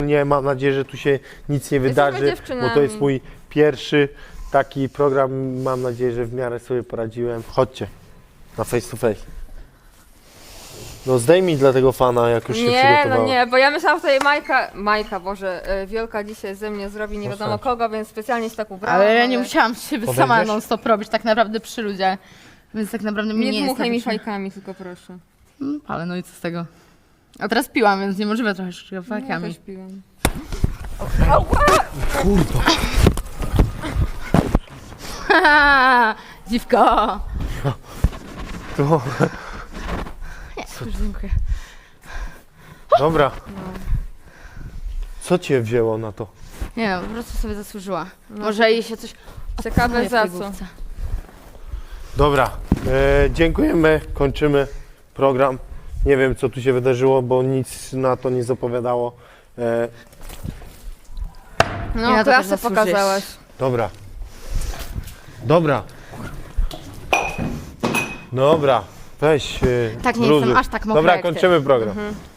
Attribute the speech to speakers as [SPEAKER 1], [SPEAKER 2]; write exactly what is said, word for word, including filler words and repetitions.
[SPEAKER 1] Nie, mam nadzieję, że tu się nic nie wydarzy,
[SPEAKER 2] dziewczynami.
[SPEAKER 1] bo to jest mój pierwszy taki program. Mam nadzieję, że w miarę sobie poradziłem. Chodźcie na face to face. No zdejmij dla tego fana, jak już się
[SPEAKER 2] Nie,
[SPEAKER 1] przygotowała.
[SPEAKER 2] no nie, bo ja myślałam, że tutaj Majka, Majka, Boże, y, Wielka dzisiaj ze mnie zrobi nie wiadomo
[SPEAKER 1] Proszę.
[SPEAKER 2] kogo, więc specjalnie się tak ubrałam.
[SPEAKER 3] Ale ja nie musiałam się
[SPEAKER 1] Podejdziesz?
[SPEAKER 3] sama non stop robić tak naprawdę przy ludziach. Więc tak naprawdę mnie
[SPEAKER 2] Nie
[SPEAKER 3] nie jest
[SPEAKER 2] dmuchaj mi
[SPEAKER 3] najwyższy-
[SPEAKER 2] fajkami, tylko proszę.
[SPEAKER 3] Mm, Ale no i co z tego? A teraz piłam, więc niemożliwe trochę
[SPEAKER 2] Ja
[SPEAKER 3] fajkami.
[SPEAKER 2] też piłam.
[SPEAKER 1] Kurwa.
[SPEAKER 3] Haha, dziwko!
[SPEAKER 1] To...
[SPEAKER 3] Już dziękuję.
[SPEAKER 1] Dobra. Co cię wzięło na to?
[SPEAKER 3] Nie no, po prostu sobie zasłużyła. Może jej się coś...
[SPEAKER 2] Ciekawe
[SPEAKER 3] odpaluje w
[SPEAKER 2] za
[SPEAKER 3] tej
[SPEAKER 2] co.
[SPEAKER 3] główce.
[SPEAKER 1] Dobra, e, dziękujemy, kończymy program. Nie wiem, co tu się wydarzyło, bo nic na to nie zapowiadało. E,
[SPEAKER 2] No,
[SPEAKER 3] Ja to też
[SPEAKER 2] klasę
[SPEAKER 3] zasłużyłeś.
[SPEAKER 2] pokazałaś.
[SPEAKER 1] dobra. Dobra. Dobra, weź. E,
[SPEAKER 3] Tak, nie
[SPEAKER 1] luzuj.
[SPEAKER 3] jestem aż tak mokra
[SPEAKER 1] Dobra,
[SPEAKER 3] jak ty.
[SPEAKER 1] kończymy program.
[SPEAKER 2] Mhm.